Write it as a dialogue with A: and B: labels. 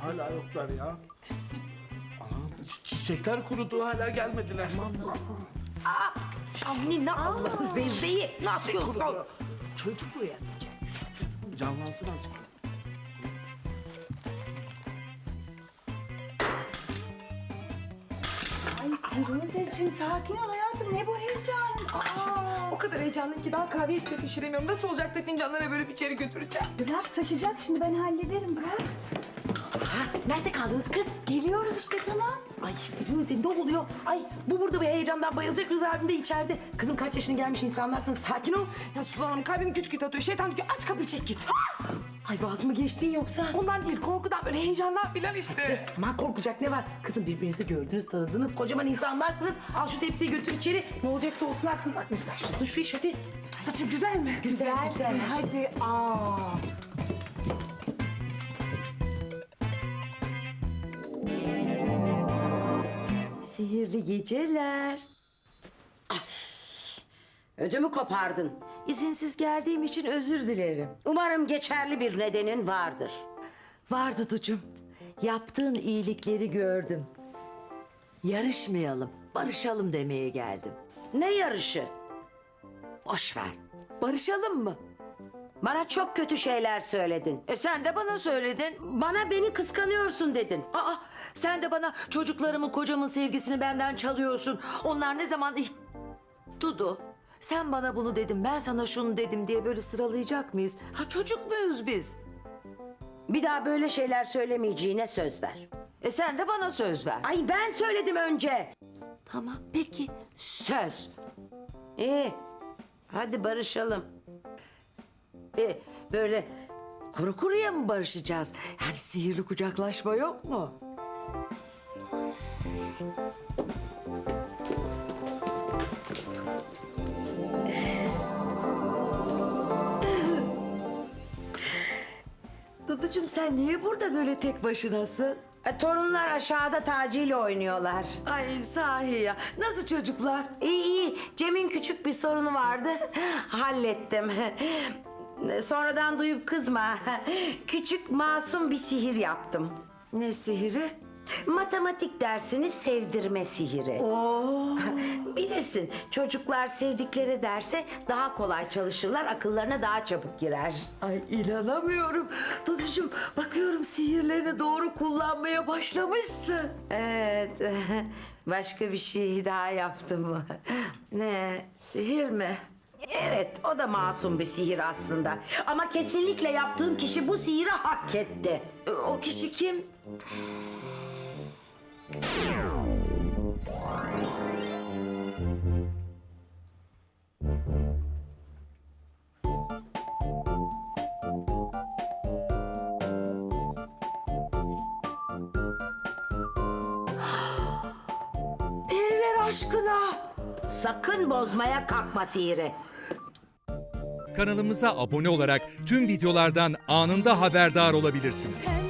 A: Hala yoklar ya. Anam çiçekler kurudu hala gelmediler.
B: Anne ne Allah'ın zevzeyi. Ne yapıyorsun?
A: Kurudu.
B: Çocuk uyanacak.
A: Canlansın azıcık.
C: Ay Firuzeciğim sakin ol hayatım. Ne bu heyecan? Aa,
D: O kadar heyecanlıyım ki daha kahveyi bile pişiremiyorum. Nasıl olacak da fincanları böyle bir içeri götüreceğim?
C: bırak taşıyacak şimdi ben hallederim bırak.
B: Nerede kaldınız kız?
C: Geliyorum işte tamam.
B: Ay Firuze ne oluyor? Ay bu burada bir heyecandan bayılacak, Rıza abim de içeride. Kızım kaç yaşına gelmiş insanlarsın, sakin ol.
D: Ya Suzan Hanım kalbim küt küt atıyor. Şeytan diyor aç kapıyı çek git.
B: Ay vaz mı geçtin yoksa?
D: Ondan değil korkudan böyle heyecandan filan işte.
B: Aman korkacak ne var? Kızım birbirinizi gördünüz, tanıdınız, kocaman insanlarsınız. Al şu tepsiyi götür içeri. Ne olacaksa olsun aklın. Başlasın şu iş hadi.
D: Saçım güzel mi?
B: Güzel.
C: Hadi aa.
E: Sihirli geceler. Ödümü kopardın.
F: İzinsiz geldiğim için özür dilerim.
E: Umarım geçerli bir nedenin vardır.
F: Var Duducuğum. Yaptığın iyilikleri gördüm. Yarışmayalım, barışalım demeye geldim.
E: Ne yarışı?
F: Boş ver. Barışalım mı?
E: Bana çok kötü şeyler söyledin.
F: Sen de bana söyledin.
E: Bana beni kıskanıyorsun dedin.
F: Aa, sen de bana çocuklarımın, kocamın sevgisini benden çalıyorsun. Onlar ne zaman... Dudu, sen bana bunu dedin, ben sana şunu dedim diye böyle sıralayacak mıyız? Ha çocuk muyuz biz?
E: Bir daha böyle şeyler söylemeyeceğine söz ver.
F: Sen de bana söz ver.
E: Ay ben söyledim önce.
F: Tamam, peki.
E: Söz. İyi. Hadi barışalım.
F: Böyle kuru kuruya mı barışacağız? Yani sihirli kucaklaşma yok mu? Duducuğum sen niye burada böyle tek başınasın?
E: Torunlar aşağıda Taci ile oynuyorlar.
F: Ay sahi ya. Nasıl çocuklar?
E: İyi iyi. Cem'in küçük bir sorunu vardı. Hallettim. Sonradan duyup kızma. Küçük masum bir sihir yaptım.
F: Ne sihiri?
E: Matematik dersini sevdirme sihiri.
F: Oo.
E: Bilirsin çocuklar sevdikleri derse daha kolay çalışırlar, akıllarına daha çabuk girer.
F: Ay inanamıyorum. Duducuğum bakıyorum sihirlerini doğru kullanmaya başlamışsın.
E: Evet, başka bir şey daha yaptım.
F: Ne? Sihir mi?
E: Evet, o da masum bir sihir aslında. Ama kesinlikle yaptığım kişi bu sihiri hak etti.
F: O kişi kim? Periler aşkına.
E: Sakın bozmaya kalkma sihiri.
G: Kanalımıza abone olarak tüm videolardan anında haberdar olabilirsiniz.